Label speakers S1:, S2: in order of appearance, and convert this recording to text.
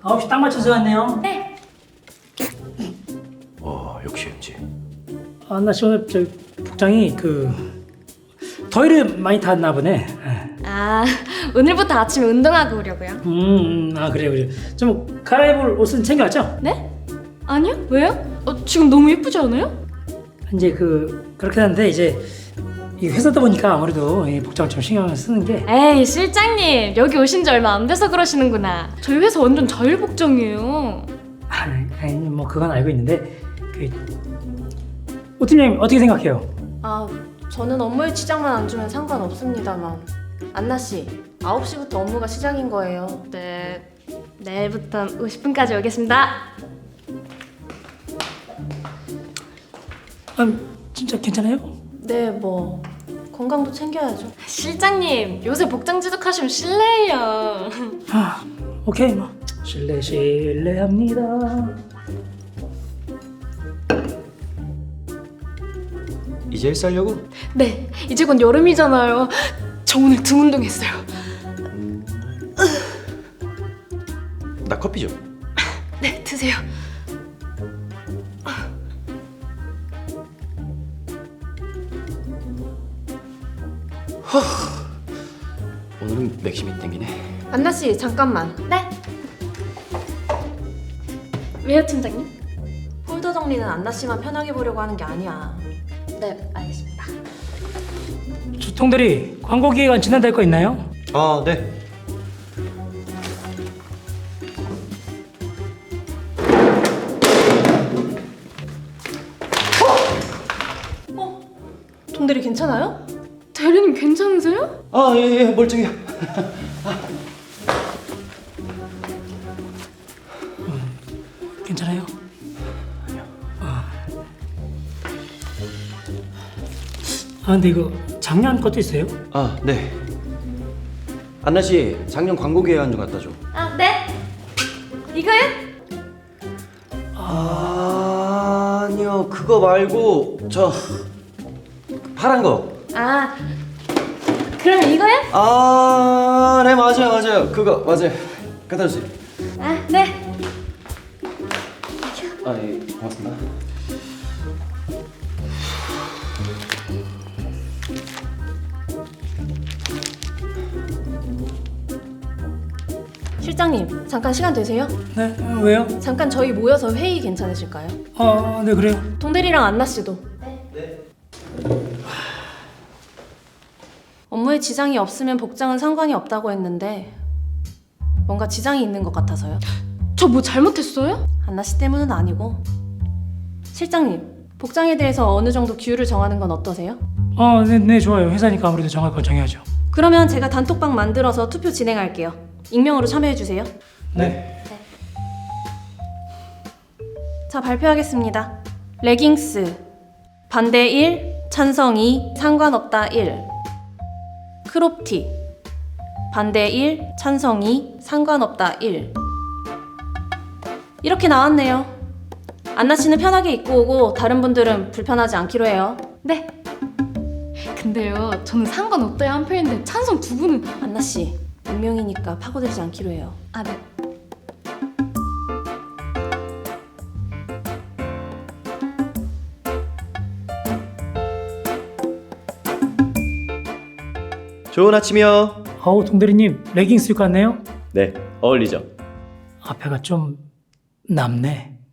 S1: 9시 딱 맞춰서 왔네요.
S2: 네.
S3: 역시 MG.
S1: 나 오늘 저 복장이 더위를 많이 탔나 보네.
S2: 아, 오늘부터 아침에 운동하고 오려고요.
S1: 그래요. 좀 갈아입을 옷은 챙겨왔죠?
S2: 네? 아니요? 왜요? 지금 너무 예쁘지 않아요?
S1: 이제 그렇게 하는데 이제 이 회사다 보니까 아무래도 이 복장을 좀 신경을 쓰는 게.
S2: 에이, 실장님, 여기 오신 지 얼마 안 돼서 그러시는구나. 저희 회사 완전 자율 복장이에요.
S1: 아니 뭐 그건 알고 있는데 오 팀장님 어떻게 생각해요?
S4: 아, 저는 업무에 지장만 안 주면 상관없습니다만 안나 씨, 9시부터 업무가 시작인 거예요.
S2: 네, 내일부터 50분까지 오겠습니다.
S1: 진짜 괜찮아요?
S4: 네, 뭐 건강도 챙겨야죠.
S2: 실장님, 요새 복장 지독하시면 실례예요.
S1: 오케이 뭐 실례합니다.
S3: 이제 일 살려고?
S2: 네, 이제 곧 여름이잖아요. 저 오늘 등 운동했어요.
S3: 나 커피 좀.
S2: 네, 드세요.
S3: 오늘은 맥심이 땡기네.
S4: 안나 씨, 잠깐만.
S2: 네. 왜요, 팀장님?
S4: 폴더 정리는 안나 씨만 편하게 보려고 하는 게 아니야.
S2: 네, 알겠습니다.
S1: 주통들이 광고 기획안 진행될 거 있나요?
S3: 아, 네.
S4: 동대리 괜찮아요?
S2: 대리님 괜찮으세요?
S3: 아, 예, 멀쩡해요.
S1: 괜찮아요? 근데 이거 작년 것도 있어요?
S3: 아, 네. 안나 씨, 작년 광고 계획안 좀 갖다 줘.
S2: 아, 네. 이거요?
S3: 아니요, 그거 말고 저 파란 거.
S2: 아, 그러면 이거요?
S3: 아, 네, 맞아요. 그거 맞아요. 갖다 주세요.
S2: 아, 네.
S3: 아, 예, 고맙습니다.
S4: 실장님, 잠깐 시간 되세요?
S1: 네. 왜요?
S4: 잠깐 저희 모여서 회의 괜찮으실까요?
S1: 네 그래요.
S4: 동대리랑 안나 씨도.
S3: 네.
S4: 업무에 지장이 없으면 복장은 상관이 없다고 했는데 뭔가 지장이 있는 것 같아서요.
S2: 저 뭐 잘못했어요?
S4: 안나 씨 때문은 아니고. 실장님, 복장에 대해서 어느 정도 규율을 정하는 건 어떠세요?
S1: 네 좋아요. 회사니까 아무래도 정할 건 정해야죠.
S4: 그러면 제가 단톡방 만들어서 투표 진행할게요. 익명으로 참여해주세요.
S1: 네.
S4: 자, 발표하겠습니다. 레깅스 반대 1, 찬성 2, 상관없다 1. 크롭티 반대 1, 찬성 2, 상관없다 1. 이렇게 나왔네요. 안나 씨는 편하게 입고 오고 다른 분들은 불편하지 않기로 해요.
S2: 네. 근데요, 저는 상관없다에 한 표인데 찬성 두 분은.
S4: 안나 씨, 익명이니까 파고들지 않기로 해요.
S2: 아, 네.
S3: 좋은 아침이요.
S1: 동대리님 레깅스 입고 왔네요.
S3: 네, 어울리죠.
S1: 앞에가 좀 남네.